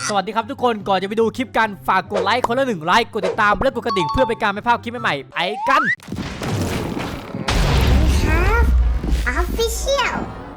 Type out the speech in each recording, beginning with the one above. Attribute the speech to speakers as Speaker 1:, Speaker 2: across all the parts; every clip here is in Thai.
Speaker 1: สวัสดีครับทุกคนก่อนจะไปดูคลิปกันฝากกดไลค์คนละ1 ไลค์กดติดตามและกดกระดิ่งเพื่อเป็นการไม่พลาดคลิปใหม่ๆไปกัน
Speaker 2: Official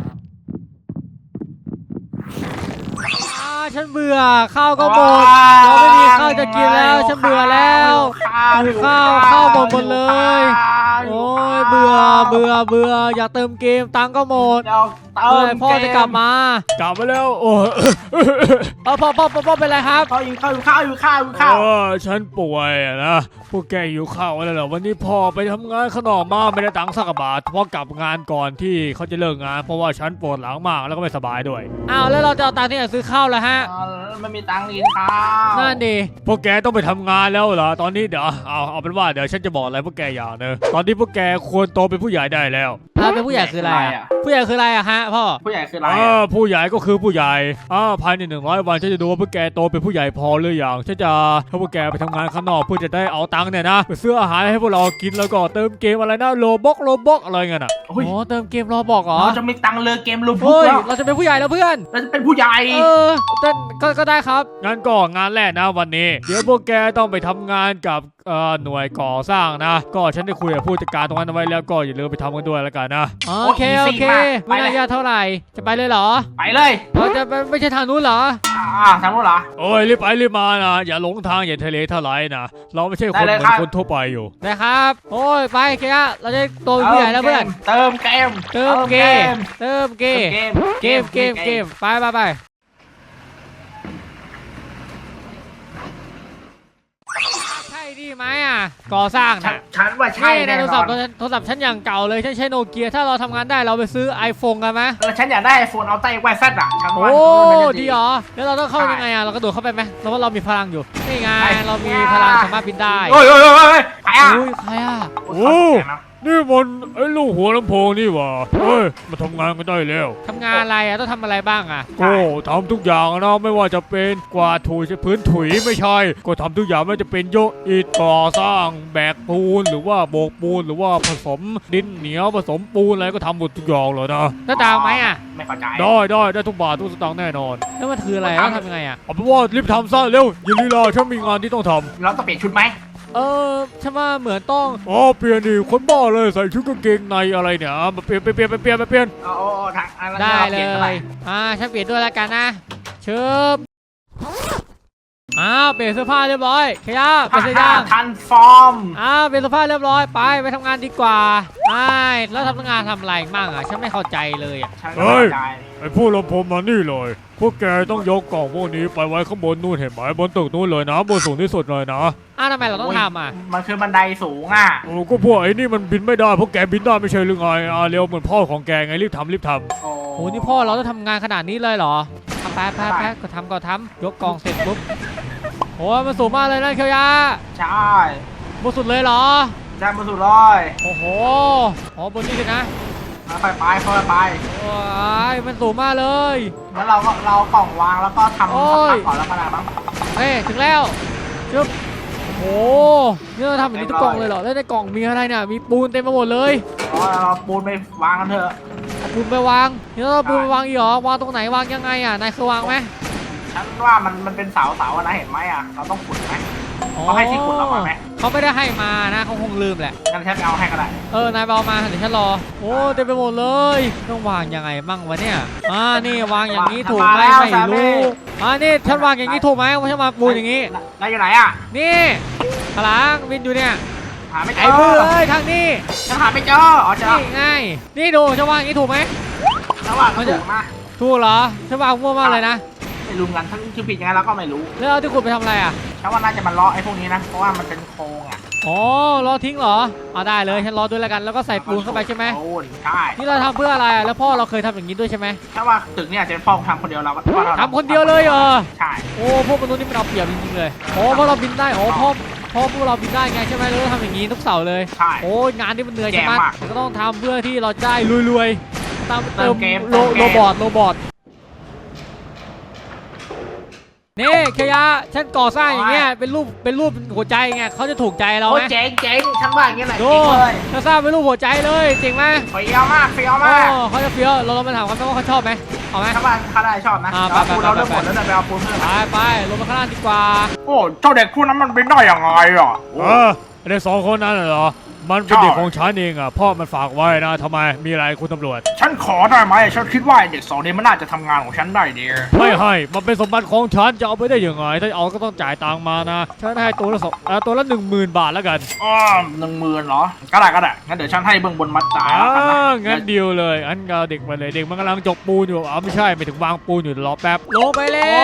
Speaker 1: ฉันเบื่อข้าวก็หมดเราไม่มีข้าวจะกินแล้วฉันเบื่อแล้วหิวข้าวหมดเลยโอ้ยเบื่ออยากเติมเกมตังก็หมดพ่อจะกลับมาแล้วโอ้พ่อเป็นไรครับ
Speaker 3: พ่ออยู่ข้าว
Speaker 4: ฉันป่วยนะพวกแกหิวข้าวอะไรเหรอวันนี้พ่อไปทำงานข้างนอกมาไม่ได้ตังค์สักบาทพ่อกลับงานก่อนที่เขาจะเลิกงานเพราะว่าฉันปวดหลังมากแล้วก็ไม่สบายด้วย
Speaker 1: อ้าวแล้วเราจะเอาตังค์ที่ไหนซื้อข้าวล่ะฮะ
Speaker 3: ไม่มีตังค์กินข้าว
Speaker 1: นั่นดิ
Speaker 4: พวกแกต้องไปทำงานแล้วเหรอตอนนี้เดี๋ยวเอาเป็นว่าเดี๋ยวฉันจะบอกอะไรพวกแกอย่างนึงตอนนี้พวกแกควรโตเป็นผู้ใหญ่ได้แล้ว
Speaker 1: เป็นผู้ใหญ่คืออะไรผู้ใหญ่คืออะไรอะฮะพ่อ
Speaker 3: ผู้ใหญ่คืออะไร
Speaker 4: ผู้ใหญ่ก็คือผู้ใหญ่ภายใน100 วันฉันจะดูว่าพวกแกโตเป็นผู้ใหญ่พอหรือยังฉันจะให้พวกแกไปทำงานข้างนอกเพื่อจะได้เอาตังค์เนี่ยนะไปซื้ออาหารให้พวกเรากินแล้วก็เติมเกมอะไรนะโลบ็อกอะไรเงี้ยนะ
Speaker 1: อ๋อเติมเกมโลบ็อกเหรอ
Speaker 3: เราจะมีตังค์เลยเกมโลบ็อก
Speaker 1: เราจะเป็นผู้ใหญ่แล้วเพื่อน
Speaker 3: เราจะเป็นผู้ใหญ่
Speaker 1: ก็ได้ครับ
Speaker 4: งั้นก็งานแรกนะวันนี้เดี๋ยวพวกแกต้องไปทำงานกับหน่วยก่อสร้างนะก็ฉันได้คุยกับผู้จัดการตรงนั้นเอาไว้แล้วก็อย่าลืมไปทำกันด้วยแล้วกันนะ
Speaker 1: โอเคไม่น่ายากเท่าไหร่จะไปเลยเหรอ
Speaker 3: ไปเลย
Speaker 1: เราจะไม่ใช่ทางนู้นเหรอ
Speaker 3: ทางนู้นเหรอ
Speaker 4: โอ้ยรีบไปรีบมานะอย่าหลงทางอย่าทะเลทลายนะเราไม่ใช่คนเหมือนคนทั่วไปอยู่
Speaker 1: นะครับโอ้ยไปแค่เราจะโตเป็นผู้ใหญ่แล้วเพื่อน
Speaker 3: เติมเกม
Speaker 1: ไปใช่ดีไหมก่อสร้างนะ
Speaker 3: ฉันว่าใช่
Speaker 1: แน่นอนโทรศัพท์ฉันอย่างเก่าเลยฉันใช้โนเกียถ้าเราทำงานได้เราไปซื้อ iPhone กันไหม
Speaker 3: ฉันอยากได้ iPhone เอาใต้ไวแซด
Speaker 1: โอ้ดีเหรอแล้วเราต้องเข้ายังไงเรากระโดดเข้าไปไหมเพราะว่าเรามีพลังอยู่นี่ไงเรามีพลังสามารถบินได้
Speaker 3: โอ้ย
Speaker 1: ใคร
Speaker 4: โอ้นี่มันไอ้ลูกหัวลำโพงนี่หว่าเฮ้ยมาทำงานกันได้แล้ว
Speaker 1: ทำงานอะไรต้องทำอะไรบ้าง
Speaker 4: ก็ทำทุกอย่างนะไม่ว่าจะเป็นกวาดถูพื้นถุยไม่ใช่ก็ทำทุกอย่างไม่ว่าจะเป็นโยกอิฐก่อสร้างแบกปูนหรือว่าโบกปูนหรือว่าผสมดินเหนียวผสมปูนอะไรก็ทำหมดทุกอย่างเลยนะ
Speaker 1: ได้ตังค์ไหม
Speaker 3: ไม่เข้าใจ
Speaker 4: ได้ทุกบาททุกสตางค์แน่นอน
Speaker 1: แล้วมันคืออะไรต้องทำยังไง
Speaker 4: เอาเป็นว่ารีบทำซะเร็วอย่าลีลาฉันมีงานที่ต้องท
Speaker 3: ำเราต้องเปลี่ยนชุดไหม
Speaker 1: ฉันว่าเหมือนต้อง
Speaker 4: เปลี่ยนดิคนบ้าเลยใส่ชุดกางเกงในอะไรเนี่ยมาเปลี่ยน
Speaker 1: ได้เลยฉันเปลี่ยนด้วยแล้วกันนะเชิญเปลี่ยนเสื้อผ้าเรียบร้อยขยับไปเสื้อ
Speaker 3: ทันฟอร์ม
Speaker 1: เปลี่ยนเสื้อผ้าเรียบร้อยไปทำงานดีกว่าแล้วทำงานทำอะไรบ้างฉันไม่เข้าใจเลย
Speaker 4: เฮ้ยไอ้ผู้ลำโพงมานี่เลยพวกแกต้องยกกล่องพวกนี้ไปไว้ข้างบนนู่นเห็นไหมบนตึกนู่นเลยนะบนสูงที่สุดเลยนะ
Speaker 1: ทำไมเราต้องทำ
Speaker 3: มันคือบันไดสูง
Speaker 4: ก็พวกไอ้นี่มันบินไม่ได้พวกแกบินได้ไม่ใช่หรือไงเร็วเหมือนพ่อของแกไงรีบทำ
Speaker 1: โอ้นี่พ่อเราต้องทำงานขนาดนี้เลยเหรอไปก็ทำยกกล่องเสร็จปุ๊บโอ้มันสูงมากเลยนะเคียวยา
Speaker 3: ใช่
Speaker 1: บนสุดเลยเหรอ
Speaker 3: ใช่บนสุดเลย
Speaker 1: โอ้โหบนนี้เลยนะ
Speaker 3: ไป
Speaker 1: โอ้ยมันสูงมากเลย
Speaker 3: แล้วเรากล่องวางแล้วก็ทำก่อนแล้วก็ได้มั้ง
Speaker 1: ถึงแล้วจึ๊บโอ้นี่เราทำแบบนี้ทุกกล่องเลยเหรอแล้วในกล่องมีอะไรเนี่ยมีปูนเต็มไปหมดเลย
Speaker 3: เราปูนไปวางกันเถอะ
Speaker 1: ปูนไปวางนี่เราปูนไปวางอีกเหรอวางตรงไหนวางยังไงนายเคยวางไหม
Speaker 3: ฉันว่ามันเป็นเสานะเห็นไหมเราต้องขุดไหมเขาให้ที่ขุดเราไหม
Speaker 1: เขาไม่ได้ให้มานะเขาคงลืมแหละ
Speaker 3: งั้นฉันเอาให้ก็ได้
Speaker 1: นายเอามาเดี๋ยวฉันรอเต็มไปหมดเลยต้องวางยังไงมั่งวะเนี่ยนี่วางอย่างนี้ถูกไหมไม่รู้นี่ฉันวางอย่างนี้ถูกไหมว่าฉันมาปูนอย่างนี้
Speaker 3: นายอยู่ไหน
Speaker 1: นี่พลังวินอยู่เนี่ย
Speaker 3: หาไม่เจอ
Speaker 1: ไอ้เบื่อทางนี้
Speaker 3: ฉันหาไม่เจอ
Speaker 1: เจอง่ายนี่ดูฉันวางอย่างนี้ถูกไหม
Speaker 3: ฉันวางถูกมาก
Speaker 1: ถูกเหรอฉันวางมั่วมากเลยนะ
Speaker 3: ไม่รู้กันทั้งคือผิดยังไงเราก็ไม่รู้
Speaker 1: แล้วเอาที่ขุดไปทำอะไร
Speaker 3: ฉันว่าน่าจะมันล้อไอ้พวกนี้นะเพราะว่ามันเป็นโครง
Speaker 1: ล้อทิ้งเหรอได้เลยฉันล้อด้วยแล้วกันแล้วก็ใส่ปูนเข้าไปใช่ไหม
Speaker 3: ใช่
Speaker 1: นี่เราทำเพื่ออะไรแล้วพ่อเราเคยทำอย่างนี้ด้วยใช่ไหม
Speaker 3: ถ้าว่าตึกเนี่ยจะเป็นพ่อทำคนเดียวเรา
Speaker 1: ทำคนเดียวเลย
Speaker 3: ใช่
Speaker 1: พวกมนุษย์นี่มันเอาเปรียบจริงๆเลยเพราะเราบินได้พ่อพวกเราบินได้ไงใช่ไหมเราทำอย่างนี้ทุกเสาร์เลย
Speaker 3: ใช่
Speaker 1: งานที่มันเหนื่อยใช่ไหมก็ต้องทำเพื่อที่เราได้รวยๆตามเติมโรบอทนี่เคียะฉันก่อสร้างอย่างเงี้ยเป็นรูปหัวใจไงเขาจะถูกใจเราไหม
Speaker 3: เจ๋งฉันว่าอย่างเงี้ยแหละ
Speaker 1: จริงเลยฉันสร้างเป็นรูปหัวใจเลยจริงไหม
Speaker 3: เฟี้ยวมาก
Speaker 1: เขาจะเฟี้ยวเราไปถามเขาไหมว่าเขาชอบไหมเอาไหม
Speaker 3: ถ้าบ้านข้าได้ชอบนะ
Speaker 1: อ่า
Speaker 3: แต่ว่า
Speaker 1: ไป
Speaker 3: ปูนเราเริ่มหมดแล้วนะไปเอาปูนเพิ่ม
Speaker 1: ไปลงมาข้างล่างดีกว่า
Speaker 3: โอ้เจ้าเด็กพวกนั้นมันเป็นได้ยังไงอ่ะ
Speaker 4: ไอ้สองคนนั้นเหรอมันเป็นเด็กของฉันเองอ่ะพ่อมันฝากไว้นะทำไมมีอะไรคุณตำรวจ
Speaker 3: ฉันขอได้ไหมฉันคิดว่าเด็กสองนี้มันน่าจะทำงานของฉันได้ดี
Speaker 4: ไม่ให้มันเป็นสมบัติของฉันจะเอาไปได้ยังไงถ้าเอาก็ต้องจ่ายตังค์มานะฉันให้ตัวละ10,000 บาทแล้วกัน
Speaker 3: 10,000เหรอก็ได้งั้นเดี๋ยวฉันให้เบื้องบนมัดจ่ายแล้วกันนะ
Speaker 4: งั้นเดียวเลยอันก็เด็กมาเลยเด็กมันกำลังจกปูนอยู่ไม่ใช่ไม่ถึงวางปูนอยู่รอแป๊บ
Speaker 1: ลงไปแล้ว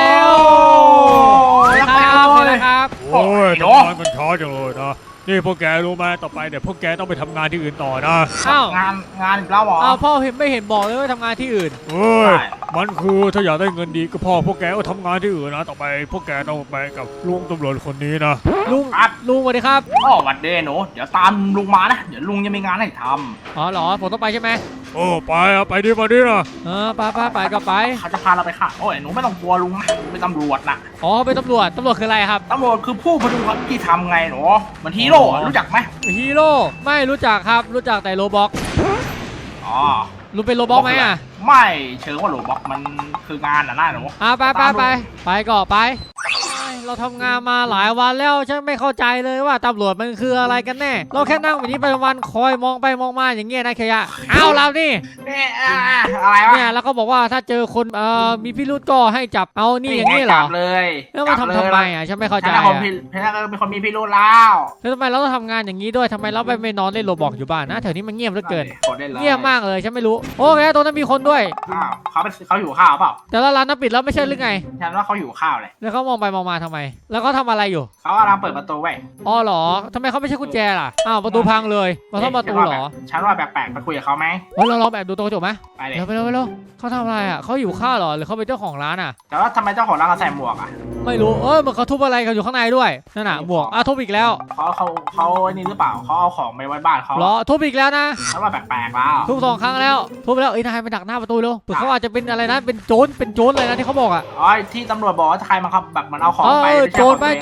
Speaker 1: ครับ
Speaker 4: โอ้ยทำงานกันช้าจังเลยนะนี่พวกแกรู้ไหมต่อไปเดี๋ยวพวกแกต้องไปทำงานที่อื่นต่อนะ
Speaker 1: อ้าว
Speaker 3: งานอีกแล้วเหรอ
Speaker 1: อ้าวพ่อไม่เห็นบอกเลยว่าทำงานที่อื่น
Speaker 4: เฮ้ย
Speaker 3: ใช่
Speaker 4: มันคือถ้าอยากได้เงินดีก็พ่อพวกแกก็ทำงานที่อื่นนะต่อไปพวกแกต้องไปกับลุงตำรวจคนนี้นะ
Speaker 1: ลุง
Speaker 3: ครับ
Speaker 1: ลุงสวัสดีครับ
Speaker 3: หวัดเดย์หนูเดี๋ยวตามลุงมานะเดี๋ยวลุงจะมีงานให้ท
Speaker 1: อ๋อเหรอผมต้องไปใช่ไหม
Speaker 4: โอ้ไปอ่ะไปดิมาดินะ
Speaker 1: ไปก็ไป
Speaker 3: ำเขาจะพาเราไปค่ะโอ้ยหนูไม่ต้องกลัวลุงนะเป็นตำรวจนะ
Speaker 1: อ๋อเป็นตำรวจคืออะไรครับ
Speaker 3: ตำรวจคือผู้พดุงความยุติธรรมไงหนูเหมือนฮีโร่อะรู้จักไหม
Speaker 1: ฮีโร่ไม่รู้จักครับรู้จักแต่โรบ็อก
Speaker 3: อ๋อ
Speaker 1: ลุงเป็นโรบ็อกไหมอ่ะ
Speaker 3: ไม่เชิงว่าโรบอกมันคืองานน่ะหนู
Speaker 1: ไปก็ไปเราทำงานมาหลายวันแล้วฉันไม่เข้าใจเลยว่าตำรวจมันคืออะไรกันแน่เราแค่นั่งแบบนี้ไปวันคอยมองไปมองมาอย่างเงี้ยนะเคยะเอาเรานี่
Speaker 3: อะไรวะ
Speaker 1: เนี่ยแล้วก็บอกว่าถ้าเจอคนมีพิรุธก็ให้จับเอานี่อย่างนี้เหรอ
Speaker 3: จับเลย
Speaker 1: แล้วมาทำไมอ่ะฉันไม่เข้าใจ
Speaker 3: ฉัน
Speaker 1: อ่ะ
Speaker 3: เป็นคนมีพิรุธแล้ว
Speaker 1: แล้วทำไมเราต้องทำงานอย่างนี้ด้วยทำไมเราไม่นอนเล่นโรบอกอยู่บ้านนะแถวนี้มันเงียบเหลือเกินเงียบมากเลยฉันไม่รู้โอเคตรงนั้นมีคนด้วย
Speaker 3: เขาหิวข้าวเปล่า
Speaker 1: แต่ละร้านน่ะปิดแล้วไม่ใช่หรือไง
Speaker 3: ฉันว่าเขาหิวข้าวเลย
Speaker 1: แล้วเขามองไปมองมาทำไม แล้วเขาทำอะไรอยู่
Speaker 3: เขากำลังเปิดประตูไว้
Speaker 1: อ๋อเหรอทำไมเขาไม่ใช่กุญแจล่ะอ้าวประตูพังเลยมาซ่อมประตูเหรอ
Speaker 3: ฉันว่าแปลกๆไปคุยกับเขาไหม
Speaker 1: เฮ้ยเราลองแบบดูตรงกระจกไหม
Speaker 3: ไปเลย
Speaker 1: เร็วเขาทำอะไรอ่ะเขาหิวข้าวเหรอหรือเขาเป็นเจ้าของร้านอ่ะ
Speaker 3: แต่ว่าทำไมเจ้าของร้านเขาใส่หมวกอ่ะ
Speaker 1: ไม่รู้เหมือนเขาทุบอะไรกันอยู่ข้างในด้วยนั่นน่ะหมวกทุบอีกแล้ว
Speaker 3: เขานี่หรือเปล่าเขาเอาของไปไว้บ้านเขา
Speaker 1: เหรอทุบอีกแล้วนะ
Speaker 3: ฉันว่าแปลกๆแล้ว
Speaker 1: ทุบ2 ครั้งแล้วทุบแล้วนายไปดักหน้าประตูเร็วเผื่อเขาอาจจะเป็นอะไรนะเป็นโจรอะไรนะที่เขาบอกอ่ะ
Speaker 3: อ๋อที่ตำรวจบอกว่าใครมันครับแบบมันเอาของไป
Speaker 1: โจรมัน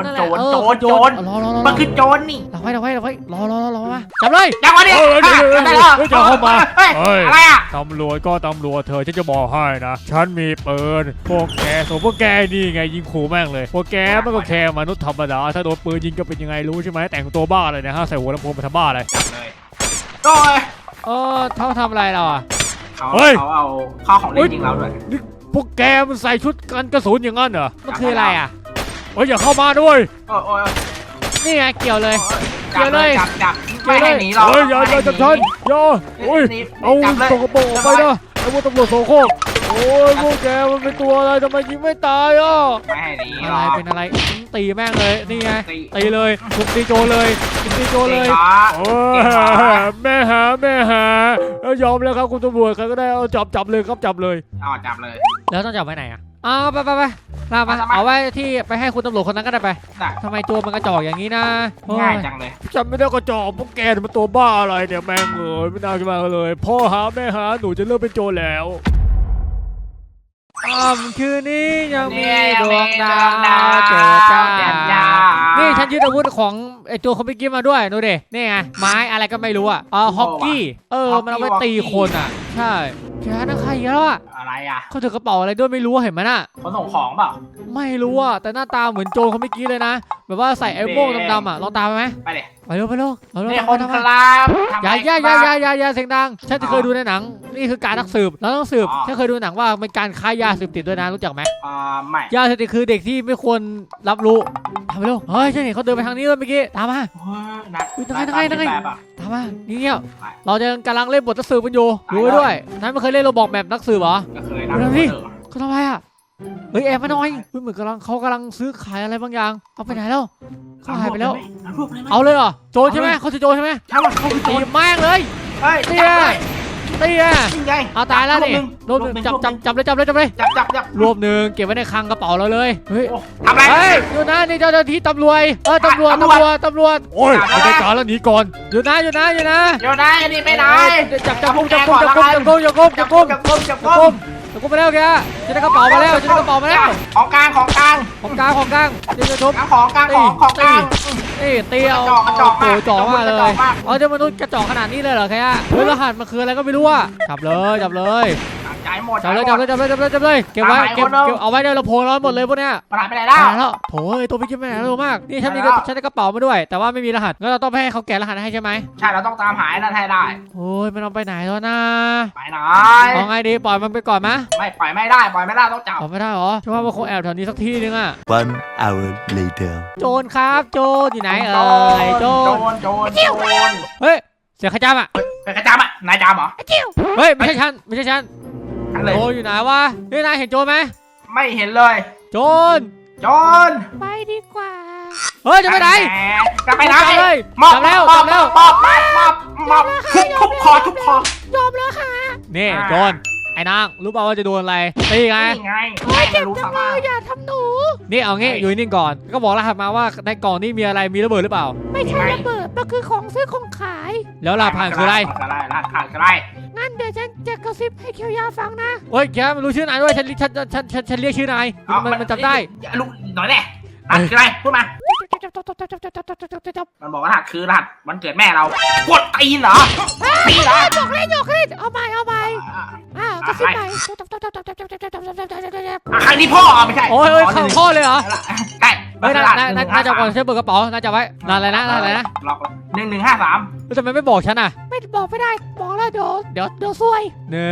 Speaker 3: คือโจรนี่
Speaker 1: เราไว้รอมาจับเลย
Speaker 3: จังหวะนี้
Speaker 4: ได้แล้วจะเข้ามาเฮ้ย
Speaker 3: อะไรอ่ะ
Speaker 4: ตำรวจก็ตำรวจเธอฉันจะบอกให้นะฉันมีปืนพวกแกส่วนพวกแกนี่ไงยิงขู่แม่งเลยพวกแกมันก็แค่มนุษย์ธรรมดาถ้าโดนปืนยิงก็เป็นยังไงรู้ใช่ไหมแต่งตัวบ้าอะไรนะฮะใส่หัวลำโพงไปทำบ้าอะไร
Speaker 3: โอ้ย
Speaker 1: เขาทำอะไรเราอ่ะ
Speaker 3: เขาเอาข้าวของเล่นยิงเราด้วย
Speaker 4: นี่พวกแกมันใส่ชุดกันกระสุนอย่างนั้นเหรอ
Speaker 1: มันคืออะไรอ่ะ
Speaker 4: เฮ้ยอย่าเข้ามาด้วย
Speaker 3: โอ้ย
Speaker 1: นี่ไงเกี่ยวเลย
Speaker 3: จับไม่ให้หนีเรา
Speaker 4: เฮ้ยอย่าจับฉันอย่าโอ้ยเอาตกกระโปรงออกไปนะไอ้พวกตำรวจโสโครกโอ้ยพวกแกมันเป็นตัวอะไรทำไมยิงไม่ตายอ่ะ
Speaker 3: ไม่ให้หนี
Speaker 1: อะไรเป็นอะไรตีแม่งเลยนี่ไงตีเลยทุบตีโจเลยตีโจเลย
Speaker 4: โอ้ยแม่หาแล้วยอมแล้วครับคุณตำรวจใครก็ได้เอาจับเลยครับจับเลย
Speaker 3: จับเลย
Speaker 1: แล้วต้องจับไว้ไหนอ่ะไปลากมาเอาไว้ที่ไปให้คุณตำรวจคนนั้นก็ได้ไปทำไมตัวมันกระจอกอย่างนี้นะ
Speaker 3: ง่ายจังเลย
Speaker 4: จำไม่ได้ก็จอบพวกแกมันตัวบ้าอะไรเนี่ยแม่งเลยไม่น่าจะมาเลยพ่อหาแม่หาหนูจะเลิกเป็นโจรแล้ว
Speaker 1: คืนนี้ยังมีดวงดาวเจิดจ้านี่ฉันยึดอาวุธของไอตัวคอมพิวเกมมาด้วยดูดินี่ไงไม้อะไรก็ไม่รู้อ่ะฮอกกี้มันเอาไปตีคนอ่ะใช่แกนั่นใครแล้วอ่ะ
Speaker 3: อะไรอ่ะ
Speaker 1: เขาถือกระเป๋าอะไรด้วยไม่รู้เห็นไหมน่ะ
Speaker 3: คนส่งของเปล่า
Speaker 1: ไม่รู้อ่ะแต่หน้าตาเหมือนโจรเขาเมื่อกี้เลยนะแบบว่าใส่ไอ้โม่งดำๆอ่ะลองตามไปไหม
Speaker 3: ไปเลย
Speaker 1: ไปเร็ว
Speaker 3: นี่คนครับ
Speaker 1: อย่าเสียงดังฉันจะเคยดูในหนังนี่คือการนักสืบเราต้องสืบฉันเคยดูหนังว่าเป็นการค้ายาเสพติดด้วยนะรู้จักไหม
Speaker 3: ไม่
Speaker 1: ยาเสพติดคือเด็กที่ไม่ควรรับรู้ทำไปเร็วเฮ้ยฉันเห็นเขาเดินไปทางนี้เลยเมื่อกี้ตามมาตามมานี่เนี่ยเราจะกำลังเล่นบทนักสืบกันอยู่ดูไว้ด้วยนั้นไม่เคยเล่นโรบอกแบบนักสืบเหรอ
Speaker 3: เคยนะ
Speaker 1: เขาทำอะไรอ่ะเฮ้ยแอบมาหน่อยเหมือนเขากำลังซื้อขายอะไรบางอย่างเอาไปไหนแล้วเขาหายไปแล้วเอาเลยเหรอโจรใช่ไหมเขาจะโจรใช่ไหม
Speaker 3: ใช่ว่าเขาคือโจ
Speaker 1: ตี
Speaker 3: ร
Speaker 1: แม่งเลย
Speaker 3: เฮ้ย
Speaker 1: ตีเอาตายแล้วนี่รวมจับเลย
Speaker 3: จับ
Speaker 1: รวมหนึ่งเก็บไว้ในคลังกระเป๋าเราเลยเฮ้ย
Speaker 3: ทำอะไร
Speaker 1: เฮ้ยอยู่นะนี่เจ้าหน้าที่ตำรวจตำรวจ
Speaker 4: โอ้ยไม่ได้การแล้วหนีก่อน
Speaker 1: อยู่นะ
Speaker 3: เดี๋ยวได้นี่ไม่ได้
Speaker 1: จับกุมไปแล้วแกจะได้กระเป๋ามาแล้ว
Speaker 3: ของกลาง
Speaker 1: เดี๋ยวจะทุบ
Speaker 3: ของกลาง
Speaker 1: นี่ตีเอาโอ้โหจ่อมากเลยเจ้ามนุษย์กระจอกขนาดนี้เลยเหรอแกเฮ้ยรหัสมันคืออะไรก็ไม่รู้อ่ะจับเลย
Speaker 3: จ่ายหมด
Speaker 1: จับเลยเก็บไว้เก็บเอาไว้ในลำโพงเราหมดเลยพวกเนี้ย
Speaker 3: มันหายไปไหนแล้ว
Speaker 1: แล้วโถ่ตัวพี่กิ๊บไปไหนเร็วมากนี่ฉันได้กระเป๋ามาด้วยแต่ว่าไม่มีรหัสงั้นเราต้องไปให้เขาแกะรหัสให้ใช่ไหม
Speaker 3: ใช่เราต้องตามหายนั่นให้ได้
Speaker 1: โอ้ยมันเอาไปไหนแล้วนะ
Speaker 3: ไปไหน
Speaker 1: เอาไงดีปล่อยมันไปก่อนไหม
Speaker 3: ไม่ปล่อยไม่ได้ต้องจับ
Speaker 1: ปล่อยไม่ได้หรอฉันว่ามันคงแอบแถวนี้สักที่นึงอะ
Speaker 2: One hour later.
Speaker 1: โจรครับโจรอยู่ไหนโจรเฮ้ยเสียงขจามอ่ะ
Speaker 3: เป็นกระจำอ่ะนายจำเหรอ
Speaker 1: เฮ้ยไม่ใช่ฉัน
Speaker 3: ทั้งเลย
Speaker 1: โจรอยู่ไหนวะนี่นายเห็นโจรไหม
Speaker 3: ไม่เห็นเลย
Speaker 1: โจร
Speaker 3: โจร
Speaker 1: ไปดีกว่าเฮ้ยจะไปไหน
Speaker 3: จะไปไหน
Speaker 1: จับเลย
Speaker 3: มอบ
Speaker 1: จับแล้ว
Speaker 3: ทุบคอ
Speaker 1: ยอมแล้วค่ะนี่โจรไอ้นางรู้เปล่าว่าจะโดนอะไรตีไง
Speaker 3: นี่ไงไม่รู้สามารถ
Speaker 1: อย่าทำหนูนี่เอางี้อยู่นิ่งก่อนก็บอกรหัสมาว่าในกล่องนี้มีอะไรมีระเบิดหรือเปล่า
Speaker 5: ไม่ใช่ระเบิดมันคือของซื้อของขาย
Speaker 1: แล้วรหัสผ่านคืออะไร
Speaker 3: รหัสผ่านคืออะไร
Speaker 5: งั้นเดี๋ยวฉันจะกระซิบให้เคียวยาฟังนะ
Speaker 1: เฮ้ยแกไม่รู้ชื่อนายด้วยฉันเรียกชื่อนายมันจำได้
Speaker 3: ลูกหน่อยแน่รหัสคืออะไรพูดมามันบอกว่ารหัสคือรหัสวันเกิดแม่เรากดตีนเหรอตีเหรอ
Speaker 5: หยอกเล่นเอาใหม่กระซิบใหม่
Speaker 3: ครั้งนี้พ่อไม่ใช่
Speaker 1: โอ้ยข่าวข้อเลยเหรอ
Speaker 3: ใช่
Speaker 1: เฮ้ยน่าจะก่อนใช้เปิดกระเป๋าน่าจะไว้นานอะไรนะ
Speaker 3: ล็อก1153
Speaker 1: ทำไมไม่บอกฉันอ่ะ
Speaker 5: ไม่บอกไม่ได้บอกแล้วเดี๋ยวซวย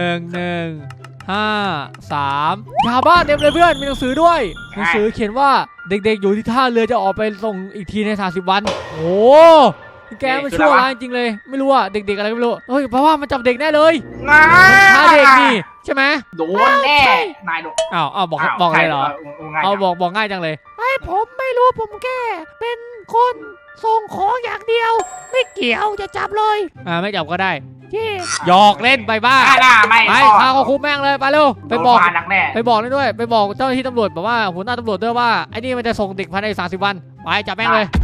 Speaker 1: 1 1 5 3ยาบ้าเต็มเลยเพื่อนมีหนังสือด้วยหนังสือเขียนว่าเด็กๆอยู่ที่ท่าเรือจะออกไปส่งอีกทีใน30 วันโอ้แกมันชั่วร้ายจริงเลยไม่รู้อะเด็กๆอะไรก็ไม่รู้เฮ้ยเพราะว่ามันจับเด็กแน่เลยท่าเด็กนี่ใช่ไหม
Speaker 3: โดนแน่นายโดน
Speaker 1: อ้าวบอกเลยเหรอเอาบอกง่ายจังเลย
Speaker 5: ผมไม่รู้ผมแค่เป็นคนส่งของอย่างเดียว ไม่เกี่ยวจะจับเลย
Speaker 1: ไม่จับก็ได้
Speaker 5: เย่
Speaker 1: หยอกเล่นไปบ้า
Speaker 3: ไม่
Speaker 1: ไปพาเขาคุมแม่งเลยไปเร็วไปบอก
Speaker 3: หนักแน่
Speaker 1: ไปบอกเลยด้วยไปบอกเจ้าหน้าที่ตำรวจบอกว่าหัวหน้าตำรวจด้วยว่าไอ้นี่มันจะส่งเด็กภายใน30 วันไปจับแม่งเลย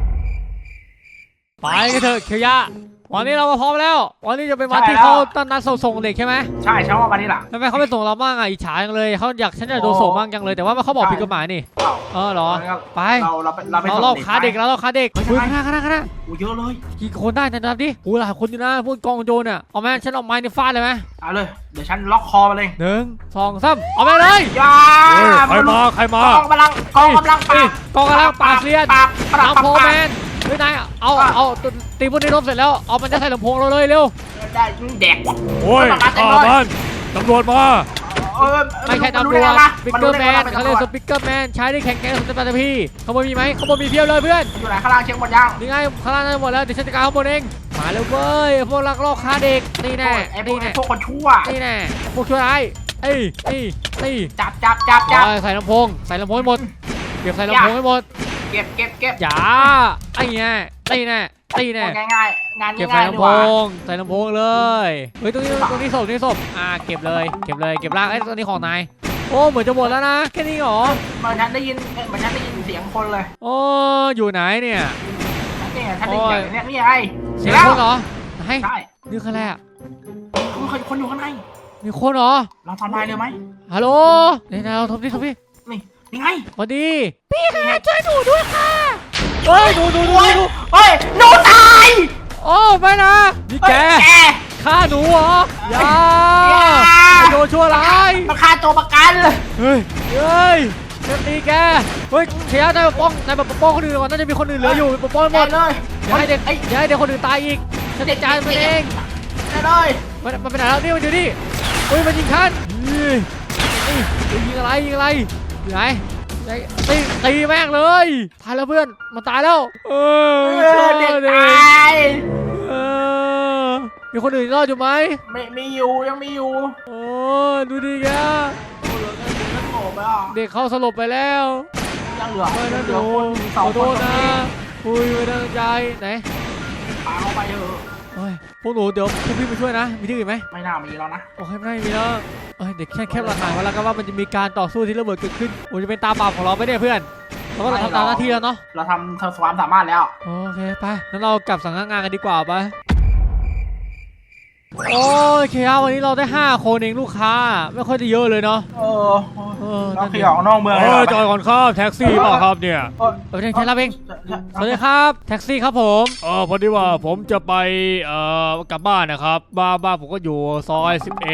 Speaker 1: ไปกันเถอะเคียวยะวันนี้เรามาพร้อมแล้ววันนี้จะเป็นวันที่เขาตั้งนัดส่งเด็กใช่ไหม
Speaker 3: ใช่ใช่ว่าวันนี้ล่ะ
Speaker 1: ทำไมเขาไม่ส่งเราบ้างอ่ะอิจฉาจังเลยเขาอยากฉันอยากโดนส่งบ้างจังเลยแต่ว่าเขาบอกผิดกฎหมายนี่เหรอไป
Speaker 3: เราไป
Speaker 1: เราลอบค้าเด็กแล้วเราค้าเด็กคุยข้างหน้า
Speaker 3: โอ้เยอะเลย
Speaker 1: กี่คนได้นับดิโอ้หลายคนอยู่นะพวกกองโจรเนี่ยเอาแม่ฉันเอาไม้ในฟาดเลยไหม
Speaker 3: เอาเลยเดี๋ยวฉันล็อกคอมาเลย
Speaker 1: 1 2 3เอาไปเลย
Speaker 3: ยา
Speaker 4: ใครมาก
Speaker 3: องกำลังปราบ
Speaker 1: เรียนลำโพงแมนเฮ้ยนายเอาตีบุญในรถเสร็จแล้วเอามันจะใส่ลำโพงเราเลยเร็ว
Speaker 3: ได้แดก
Speaker 4: โอ้ยบ้านตำรวจมา
Speaker 1: ไม่ใช่ตำรวจสปิกเกอร์แมนเขาเรียกสปิกเกอร์แมนใช้ได้แข่งแข่งสตาร์พี่ขโมยมีไหมขโมยมีเพียบเลยเพื่อน
Speaker 3: อยู่ไหนข้างล่างเช็คหมดยัง
Speaker 1: นี่ไงข้างล่างหมดแล้วเดี๋ยวฉันจัดการข้างบนเองมาเร็วเว้ยพวกลักลอบค้าเด็กนี่แน่
Speaker 3: พวกคนชั่ว
Speaker 1: นี่แน่พวกชั่วร้ายนี่
Speaker 3: จับ
Speaker 1: ใส่ลำโพงให้หมดเก็บใส่ลำโพงให้หมด
Speaker 3: เก็บ
Speaker 1: อย่าไอ้แน่ง่าย
Speaker 3: ง่ายงาน
Speaker 1: เก็บ
Speaker 3: ง่า
Speaker 1: ใส่
Speaker 3: ย
Speaker 1: ลำโพงเลยเฮ้ยตรงนี้ศพเก็บเลยเก็บร่างไอ้ตัวนี้ของนายโอ้เหมือนจะหมดแล้วนะแค่นี้หรอ
Speaker 3: เหมือนฉันได้ยินเสียงคนเลย
Speaker 1: โอ้อยู่ไหนเนี่ย
Speaker 3: นี่ฉันได้ยินเนี่ยนี่ไง
Speaker 1: เสียงคนเหรอไหน
Speaker 3: ใช่
Speaker 1: นี่คืออะไรอ่ะ
Speaker 3: คนอยู่ข้างใน
Speaker 1: มีคนเหรอ
Speaker 3: เราทำลายเลยไหม
Speaker 1: ฮัลโหลนี่นายเราทำดิ
Speaker 3: นี่ไง
Speaker 1: สวัสดี
Speaker 5: พี่ค่ะช่วยหนูด้วยค่ะ
Speaker 1: เฮ้ยดู
Speaker 3: เฮ้ยหนูตาย
Speaker 1: โอ้ไม่นะนี่แกฆ่าหนูเหรออย่าโดนชั่วร้าย
Speaker 3: มาฆ่าตัวประกันเลย
Speaker 1: เฮ้ยจะตีแกเฮ้ยเชียร์นายปกป้องคนอื่นก่อนน่าจะมีคนอื่นเหลืออยู่ปกป้องหมด
Speaker 3: เลย
Speaker 1: อย่าให้เด็กคนอื่นตายอีกฉันจะจ่ายมันเอง
Speaker 3: ได้เลย
Speaker 1: มันเป็นอะไรแล้วนี่มันอยู่นี่เฮ้ยมันยิงฉันยิงอะไรอยู่ไหนตีแม่งเลยตายแล้วเพื่อนมันตายแล้ว
Speaker 3: เด็กตาย
Speaker 1: มีคนอื่นรอดอยู่ไหม
Speaker 3: ไม่อยู่ยังไม่อยู่
Speaker 1: โอ้ดูดิแก
Speaker 3: โง่ไปอ่ะ
Speaker 1: เด็กเขาสลบไปแล้ว
Speaker 3: ยังเหลือ
Speaker 1: ไม่นะหนู
Speaker 3: สอง
Speaker 1: ขอ
Speaker 3: ค
Speaker 1: โท
Speaker 3: น
Speaker 1: ษนะคุยไม่ตั้งใจไหน
Speaker 3: พาเข้าไปเถอะ
Speaker 1: โอ้ยพวกหนูเดี๋ยวพวกพี่มาช่วยนะมีที่อื่นไหม
Speaker 3: ไม่น่ามีแล้วนะ
Speaker 1: โอ้ยไม่มีแล้วเด็กแค่หลักฐานไว้แล้วก็ว่ามันจะมีการต่อสู้ที่ระเบิดเกิดขึ้นโอ้จะเป็นตาบาปของเราไปเนี่ยเพื่อนเราก็ทำตามหน้าที่แล้วเนาะ
Speaker 3: เราทำความสามารถแล้ว
Speaker 1: โอเคไปงั้นเรากลับสังกัดงานกันดีกว่าไปโอ้ยเคลียร์วันนี้เราได้5 คนเองลูกค้าไม่ค่อยได้เยอะเลยเนาะ
Speaker 3: เออ เรา
Speaker 1: นั่น
Speaker 3: ข
Speaker 1: ดิ
Speaker 3: ยออกนอกเมือง
Speaker 4: จอดก่อนครับแท็กซี่เปล่าครับเนี่ย
Speaker 1: เดี๋ยวเชิญรับเองสวัสดีครับแท็กซี่ครับผม
Speaker 4: พอดีว่าผมจะไปกลับบ้านนะครับบ้านผมก็อยู่ซอย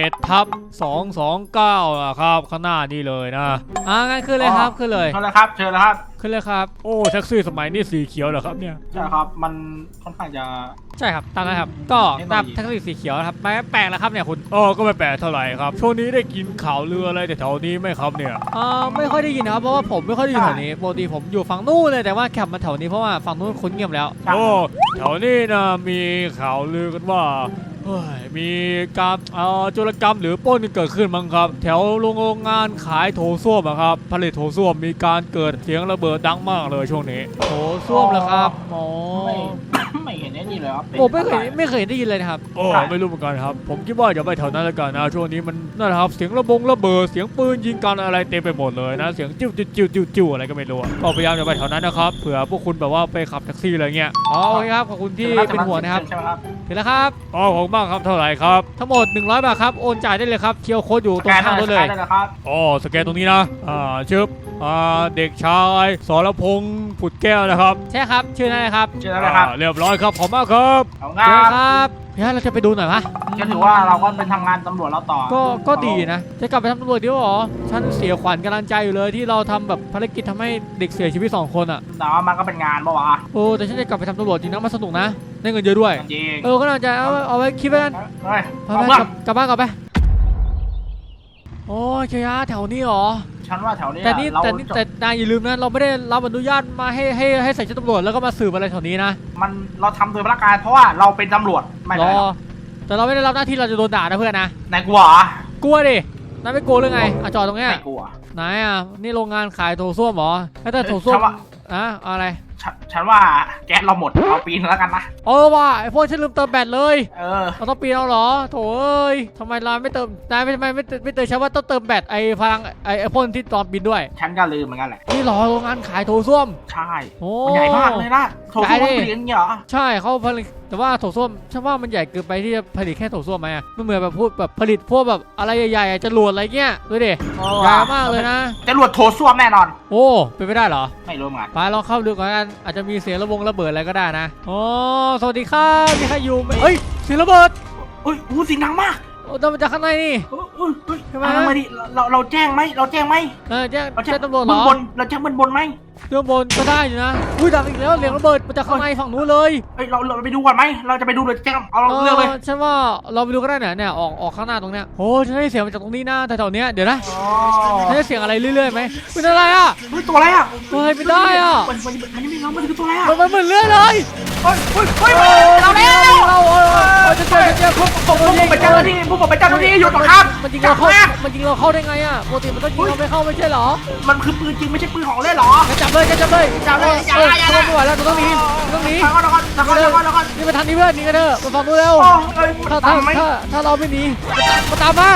Speaker 4: 11/229นะครับข้างหน้านี่เลยนะ
Speaker 1: งั้นขึ้นเลยครับขึ้นเลย
Speaker 3: เชิญเลยครับเชิญเลยครับ
Speaker 1: ขึ้นเลยครับ
Speaker 4: โอ้แท็กซี่สมัยนี้สีเขียวเหรอครับเนี่ย
Speaker 3: ใช่ครับมันค่อนข้างจะ
Speaker 1: ใช่ครับตามนั้นครับก็ตามแท็กซี่สีเขียวนะครับไม่แปลกแล้วครับเนี่ยคุณ
Speaker 4: ก็ไม่แปลกเท่าไหร่ครับช่วงนี้ได้กินข่าวเรืออะไรแต่แถวนี้ไหมครับเนี่ย
Speaker 1: ไม่ค่อยได้ยินนะครับเพราะว่าผมไม่ค่อยได้อยู่แถวนี้ปกติผมอยู่ฝั่งนู้นเลยแต่ว่าขับมาแถวนี้เพราะว่าฝั่งนู้นคนเงียบแล้ว
Speaker 4: โอ้แถวนี้นะมีข่าวลือกันว่าเฮ้ยมีการโจรกรรมหรือปล้นเกิดขึ้นมั้งครับแถวโรงงานขายโถส้วมอะครับผลิตโถส้วมมีการเกิดเสียงระเบิดดังมากเลยช่วงนี้
Speaker 1: โถส้วมเหรอครับอ๋อ
Speaker 3: ไม่เห็นได้นี่เลยครับ
Speaker 1: ผมไม่เคยได้ยินเลยนะครับ
Speaker 4: ไม่รู้เหมือนกันครับผมคิดว่าอย่าไปแถวนั้นแล้วกันนะช่วงนี้มันนั่นแหละครับเสียงระเบิดเสียงปืนยิงกันอะไรเต็มไปหมดเลยนะเสียงจิ้วอะไรก็ไม่รู้ก็พยายามอย่าไปแถวนั้นนะครับเผื่อพวกคุณแบบว่าไปขับแท็กซี่อะไรเงี้ย
Speaker 1: โอเคครับขอบคุณที่เป็นห่วงนะครับ
Speaker 3: ใช่ไหมครับ
Speaker 1: ถึงแล้วครับ
Speaker 4: ขอบคุณมากครับเท่าไหร่ครับ
Speaker 1: ทั้งหมด100 บาทครับโอนจ่ายได้เลยครับเคียวโค้ดอยู่ตรงข้างรถเลย
Speaker 3: ได้ครับ
Speaker 4: สแกนตรงนี้นะชึบเด็กชายสรพงษ์ผุดแก้วนะครับ
Speaker 1: ใช่ครับชื่อนั่นเลยครับ
Speaker 3: เชิญเลยครับ
Speaker 4: เรียบร้อยครับขอบมากครับ
Speaker 3: เอา
Speaker 1: เชิญ
Speaker 3: งาน
Speaker 1: ครับเดี๋ยวเราจะไปดูหน่อยปะ
Speaker 3: ก็ถือว่าเราก็เป็นทำงานตำรวจเราต่อ
Speaker 1: ก็ดีนะจะกลับไปทำตำรวจดีวะหรอฉันเสียขวัญกำลังใจอยู่เลยที่เราทำแบบภารกิจทำให้เด็กเสียชีวิต2 คนอ่ะ
Speaker 3: แต่ว่ามันก็เป็นงานปะวะ
Speaker 1: โอ้แต่ฉันจะกลับไปทำตำรวจจริงนะมันสนุกนะได้เงินเยอะด้วย
Speaker 3: จริง
Speaker 1: ก็น่าจะเอาไว้คิดไว้กัน
Speaker 3: เฮ้ย
Speaker 1: ไป
Speaker 3: เอา
Speaker 1: ไป
Speaker 3: เพื่อน
Speaker 1: กลับบ้านก่อนไปโอ้ยเชียร์แถวนี้เหรอ
Speaker 3: ฉันว่าแถวนี้
Speaker 1: แต่
Speaker 3: เรา
Speaker 1: นายอย่าลืมนะเราไม่ได้รับอนุญาตมาให้ใส่ชุดตำรวจแล้วก็มาสืบอะไรแถวนี้นะ
Speaker 3: เราทำโดยพละการเพราะว่าเราเป็นตำรวจไม่
Speaker 1: ร
Speaker 3: ได้
Speaker 1: อแต่เราไม่ได้รับหน้าที่เราจะโดนด่านะเพื่อนนะ
Speaker 3: นายกลัวเหรอก
Speaker 1: ลัวดินายไม่กลัวหรือไงจอดตรงเนี้ย
Speaker 3: ไม่กลัว
Speaker 1: ไหนนี่โรงงานขายโถส้วมเหรอถ้าโถส้วม
Speaker 3: ฉันว่า
Speaker 1: อะไร
Speaker 3: ฉันว่าแก๊สเราหมดเอาปีนแล้วกันนะ
Speaker 1: ว่าไอพวกฉันลืมเติมแบตเลย เราต้องปีนเอาเหรอโถเอ้ยทำไมเราไม่เติมนายไม่เติมฉันว่าต้องเติมแบตไอพลังไอพ่นที่ตอนบินด้วย
Speaker 3: ฉันก็ลืมเหมือนกันแหละ
Speaker 1: นี่เหรอโรงงานขายโถส้วม
Speaker 3: ใช่
Speaker 1: โอ้
Speaker 3: มันใหญ่มากเลยนะโถส้วมมันเปลี่ยนอย่างเงี้ยเหรอ
Speaker 1: ใช่เขาผลิตแต่ว่าโถส้วมฉันว่ามันใหญ่เกินไปที่จะผลิตแค่โถส้วมไหมมันเหมือนแบบพูดแบบผลิตพวกแบบอะไรใหญ่ๆจรวดอะไรเงี้ยดูดิใหญ่มากเลยนะ
Speaker 3: จะรวดโถส้วมแน่นอน
Speaker 1: โอ้เป็นไปได้เหรอ
Speaker 3: ไม่รู้เหมือนกัน
Speaker 1: ไปลองเข้าดูก่อนกันอาจจะมีเสียงระเบิดอะไรก็ได้นะโอ้สวัสดีครับมีใครอยู่ไหมเฮ้ยเสียงระเบิด
Speaker 3: อุ้ยเสียงดังมาก
Speaker 1: โอ้ดังมาจากข้างในนี่ ทำไม
Speaker 3: ทำไมดิเราแจ้งไหมเราแจ้งไหม
Speaker 1: แจ้ง
Speaker 3: เราแจ้ง
Speaker 1: ตำรวจเหร
Speaker 3: เบื้อง
Speaker 1: อบ
Speaker 3: นเราแจ้งเบื้องบนไหม
Speaker 1: เรื่องบนก็ได้อยู่นะอุ้ยดังอีกแล้วเสียงระเบิดมาจากข้างในฝั่งนู้นเลย
Speaker 3: เฮ้ยเราไปดูก่อนไหมเราจะไปดูเลยแจ้งเอาเรื่องเลย
Speaker 1: ฉันว่าเราไปดูก็ได้เนี่ยออกข้างหน้าตรงเนี้ยโอ้ฉันได้เสียงมาจากตรงนี้นะแต่แถวเนี้ยเดี๋ยวนะ
Speaker 3: อ๋อ
Speaker 1: ฉันได้เสียงอะไรเรื่อยๆไหมเป็นอะไรอ่ะ
Speaker 3: เฮ้ยตัวอะไรอ่ะ
Speaker 1: ตัวอะไรไม่ได้อ่ะ
Speaker 3: มันยังไม่เรามันคือตัวอะไรอ่ะ
Speaker 1: มันเหมือนเลื่อยเลย
Speaker 3: เฮ้ยเราแล้ว
Speaker 1: เราจะเจอพวก
Speaker 3: ผมเป็นเจ้าหน้าที่ผมเป็นเจ้าหน้าที่อยู่ตรงข้าม
Speaker 1: มันยิงเราเข้าได้ไงอ่ะปกติมันต้องยิงเราไม่เข้าไม่ใช่เหรอ
Speaker 3: มันคือปืนจริงไม่ใช่ปืนของเล่นหรอ
Speaker 1: จับเลยไม่ไหวแล้วต้องหนี
Speaker 3: แล้วก่อน
Speaker 1: นี่มาทางนี้เพื่อนหนีกันเถอะมาฟังดูเร็วถ้าเราไม่หนีมาตามมา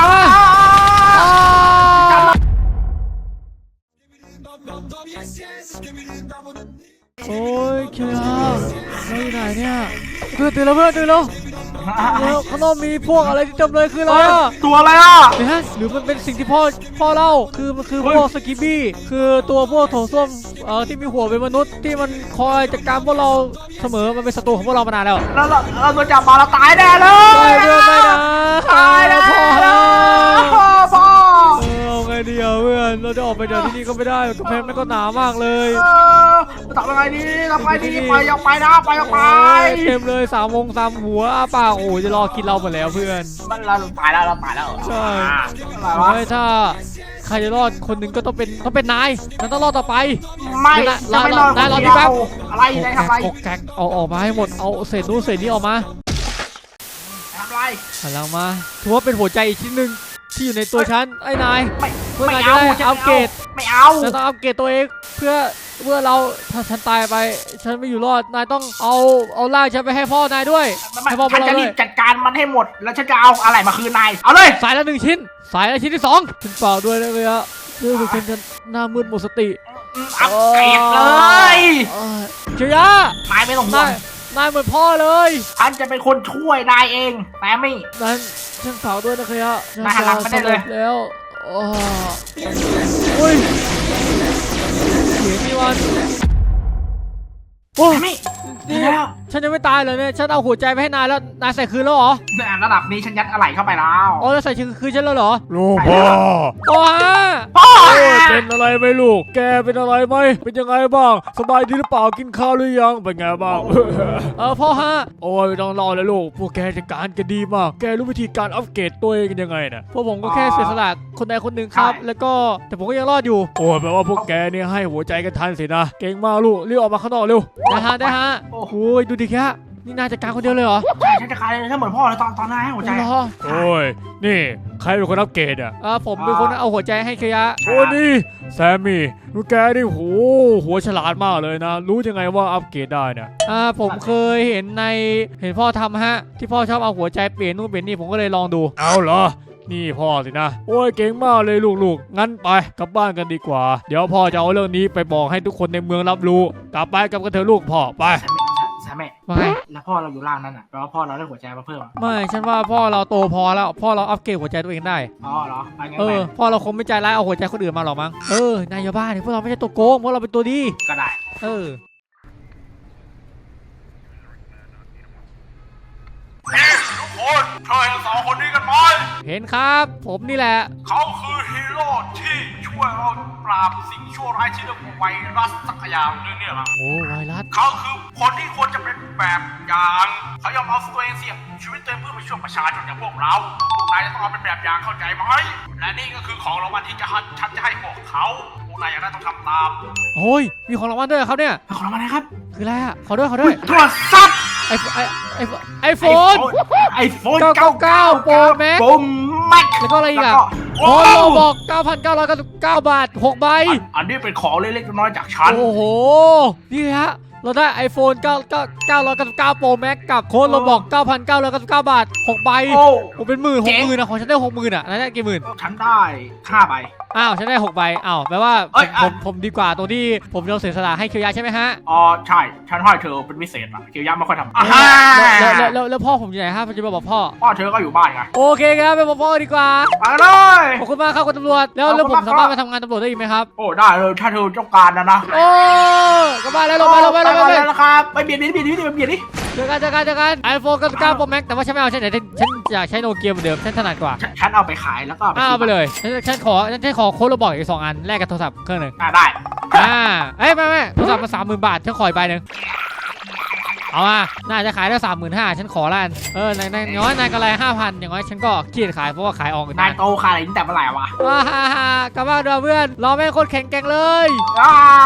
Speaker 1: โอ้ยเคียร์เราอยู่ไหนเนี่ยตื่นแล้วเพื่อนตื่นแล้วข้างนอกมีพวกอะไรที่เต็มเลยคืออะไรอ่ะ
Speaker 3: ตัวอะไรอ่ะ
Speaker 1: เดี๋ยวนะหรือมันเป็นสิ่งที่พ่อเล่าคือมันคือพวกสกิบบี้คือตัวพวกโถส้วมที่มีหัวเป็นมนุษย์ที่มันคอยจัดการพวกเราเสมอมันเป็นศัตรูของพวกเรามานานแล้ว
Speaker 3: แล้วเราโดนจับมาเราตายแน่เลย
Speaker 1: ไม่นะ
Speaker 3: ตายแน่
Speaker 1: พ่อ
Speaker 3: พ่อ
Speaker 1: เอาไงดีเพื่อนเราจะออกไปจากที่นี่ก็ไม่ได้กำแพงมันก็หนามากเลย
Speaker 3: ทำยังไงดีทำไงดีไปออกไปนะไปออกไป
Speaker 1: เต็มเลย3 วง 3 หัวปากโอ้จะรอกินเราหมดแล้วเพื่อน
Speaker 3: มันเราตายแล้ว
Speaker 1: ใช่
Speaker 3: อะไรวะ
Speaker 1: ถ้าใครจะรอดคนหนึ่งก็ต้องเป็นนายนั้นต้องรอดต่อไป
Speaker 3: ไม่จะไม่นอนคนเดียวอะไรได้ทำไร
Speaker 1: กแกกเอาออกมาให้หมดเอาเศษนู้นเศษนี้ออกมา
Speaker 3: ทำไร
Speaker 1: หันหลังมาถือว่าเป็นหัวใจอีกชิ้นหนึ่งที่อยู่ในตัวฉันไอ้นาย เพื่อนาย
Speaker 3: ไม่เอา
Speaker 1: จะได้อัปเกรด
Speaker 3: ไม่เอา
Speaker 1: ฉันต้องอัปเกรดตัวเองเพื่อเราถ้าฉันตายไปฉันไม่อยู่รอดนายต้องเอาร่างฉันไปให้พ่อนายด้วยให้พ่อ
Speaker 3: ฉัน
Speaker 1: เรา
Speaker 3: จะ
Speaker 1: ด้
Speaker 3: รี
Speaker 1: วย
Speaker 3: บจัดการมันให้หมดแล้วฉันจะเอาอะไรมาคืนนายเอาเลย
Speaker 1: สายละ1 ชิ้นสายละชิ้นที่2ฉันเปล่าด้วยนะเว้ยอะรู้สึกฉันจะหน้ามืดหมดสติ
Speaker 3: อัปเกรดเลย
Speaker 1: เชียร์
Speaker 3: นายไม่ต้องห่วง
Speaker 1: นายเหมือนพ่อเลย
Speaker 3: ฉันจะเป็นคนช่วยนายเองแซมมี่
Speaker 1: นั้นฉันฝากด้วยนะเคยะฉัน
Speaker 3: นายหันหลังไปได้เลย
Speaker 1: จะสำร็จแล้วอุ้ยเสียงนี่วันโอ้
Speaker 3: แซมมี่
Speaker 1: นี่
Speaker 3: แล้ว
Speaker 1: ฉันยังไม่ตายเลยเนี่ยฉันเอาหัวใจไปให้นายแล้วนายใส่คืนแล้วเหรอ
Speaker 3: เนี่ยระดับนี้ฉันยัดอะไรเข้าไปแล้ว
Speaker 1: อ๋อแล้วใส่คืนฉันแล้วเหรอ
Speaker 4: ลูกพ่อ
Speaker 1: โอ้ฮะ
Speaker 3: พ่อ
Speaker 4: โอ้ยเป็นอะไรไหมลูก แกเป็นอะไรไหมเป็นยังไงบ้างสบายดีหรือเปล่ากินข้าวหรือยังเป็นไงบ้าง
Speaker 1: พ่อฮะ
Speaker 4: โอ้ยไม่ต้องรอเลยลูกพวกแกจัดการกันดีมากแกรู้วิธีการอัปเกรดตัวเองกันยังไงน่ะ
Speaker 1: พวกผมก็แค่เสียสละคนใดคนหนึ่งครับ แล้วก็แต่ผมก็ยังรอดอยู่
Speaker 4: โอ้ยแปลว่าพวกแกเนี่ยให้หัวใจกันทันสินะเก่งมากลูกรีบออกมาข้างนอกเร็ว
Speaker 1: ได้ฮะ
Speaker 3: โอ้โห
Speaker 1: โอ้ยดูดิแค่นี่นายจัดการคนเดียวเลยเหรอ
Speaker 3: ใช่ฉันจะคลายเลยถ้าเหมือนพ่อเลยตอนนายให้หัวใจ
Speaker 1: เหร
Speaker 3: อะ
Speaker 1: อ
Speaker 4: โอ้ยนี่ใครเป็นคนอัปเกรดอ่ะ
Speaker 1: ผมเป็นคนเอาหัวใจให้เคยะ
Speaker 4: โอ้นี่แซมมี่ลูกแกนี่โหหัวฉลาดมากเลยนะ รู้ยังไงว่าอัปเกรดได้เนี่ย
Speaker 1: ผมเคยเห็นพ่อทำฮะที่พ่อชอบเอาหัวใจเปลี่ยนนู่นเปลี่ยนนี่ผมก็เลยลองดู
Speaker 4: เอาเหรอนี่พ่อสินะโอ้ยเก่งมากเลยลูกๆงั้นไปกลับบ้านกันดีกว่า เดี๋ยวพ่อจะเอาเรื่องนี้ไปบอกให้ทุกคนในเมืองรับรู้กลับไปกับกันเถอะลูกพ่อไป
Speaker 3: แซมมี่
Speaker 1: ว่าไง
Speaker 3: แล้วพ่อเราอยู่ล่างนั่นอ่ะแปลว่าพ่อเราได้หัวใจมาเพิ่มอะ
Speaker 1: ไม่ฉันว่าพ่อเราโตพอแล้วพ่อเราอัปเกรดหัวใจตัวเองได้
Speaker 3: อ๋อเหรอไปงั้น
Speaker 1: เอ
Speaker 3: ไป
Speaker 1: อพ่อเราคงไม่ใจร้ายเอาหัวใจคนอื่นมาหรอกมั้งนายอย่าบ้าดิพวกเราไม่ใช่ตัวโกงพวกเราเป็นตัวดี
Speaker 3: ก็ได้ ทุกคนช่วยสองคนนี้กันไหม
Speaker 1: เห็นครับ ผมนี่แหละ
Speaker 3: เขาคือฮีโร่ที่ช่วยเราปราบสิ่งชั่วร้ายที่เรียกว่าไวรัสสักอย่างหนึงเนี่ยล่ะ
Speaker 1: โอ้ไวรัส
Speaker 3: เขาคือคนที่ควรจะเป็นแบบอย่างเขายอมเอาตัวเองเสี่ยงชีวิตตัวเองเพื่อไปช่วยประชาชนอย่างพวกเราพวกนายจะต้องเอาเป็นแบบอย่างเข้าใจไหมและนี่ก็คือของรางวัลที่ฉันจะให้พวกเขาพวกนายอยากได้ต้องทำตาม
Speaker 1: โอ้ยมีของรางวัลด้วยเหรอครับเนี่ย
Speaker 3: ของรางวัลอะไรครับ
Speaker 1: คืออะไรอ่ะขอด้วย
Speaker 3: โทรศัพท์
Speaker 1: ไอโฟน
Speaker 3: ไอโฟน
Speaker 1: 99 Pro Max
Speaker 3: โปรแม็ก
Speaker 1: แล้วก็อะไรอีกอ่ะ
Speaker 3: โอ้
Speaker 1: โอ้โลบอก 9,999 บาท 6 ใบ
Speaker 3: อันนี้เป็นของเล็กๆน้อยๆจากฉัน
Speaker 1: โอ้โห นี่ฮะ เราได้ iPhone 999 Pro Max กับโค้ดเราบอก 9,999 บาท 6 ใบ
Speaker 3: โอ้
Speaker 1: โอ้เป็นหมื่น60,000นะของฉันได้ 60,000อ่ะนายได้กี่หมื่น
Speaker 3: ฉันได้5 ใบ
Speaker 1: อ้าวฉันได้ 6 ใบอ้าวแปลว่า
Speaker 3: เอ้ยอ่ะ
Speaker 1: ผมดีกว่าตรงที่ผมยอมเสียสละให้เคียวยาใช่ไหมฮะ
Speaker 3: อ๋อใช่ฉันให้เธอเป็นพิเศษอะเกียวยาไม่ค่อยทำ
Speaker 1: แล้วพ่อผมอยู่ไหนฮะผมจะมาบอกพ่อ
Speaker 3: พ่อเธอก็อยู่บ้านไง
Speaker 1: โอเคครับไปบอกพ่อดีกว่า
Speaker 3: ไปเลย
Speaker 1: ขอบคุณมากครับคุณตำรวจแล้ว
Speaker 3: ขอบคุณ
Speaker 1: ผมสามารถ
Speaker 3: มากครับ
Speaker 1: มาทำงานตำรวจได้อีกไหมครับ
Speaker 3: โอ้ได้เลยถ้าเธอต้องการนะ
Speaker 1: โอ้กลับบ้านแล้วลงไป
Speaker 3: แล้วครับไปเบียดดิ
Speaker 1: เจอกันไอโฟน99 Pro Max แต่ว่าฉันไม่เอาฉันอยากใช้โนเกียเหมือนเดิมฉันถนัดกว่า
Speaker 3: ฉันเอาไปขายแล้วก็
Speaker 1: เอาไปเลยฉันขอโค้ดเราบอกอีก2 อันแลกกับโทรศัพท์เครื่องหนึ่ง
Speaker 3: ได้
Speaker 1: ไม่โทรศัพท์มา30,000 บาทฉันขออีกใบหนึ่งเอามาน่าจะขายได้ 35,000ฉันขอละกันนายน้อยนายกำไร 5,000อย่างน้อยฉันก็เครียดขายเพราะว่าขายออก
Speaker 3: นายโตขายอะไรตั้งแต่เมื่อไหร่วะ
Speaker 1: กลับบ้านเถอะเพื่อนเราแม่งโคตรแข็งแกร่งเลย
Speaker 3: อ้า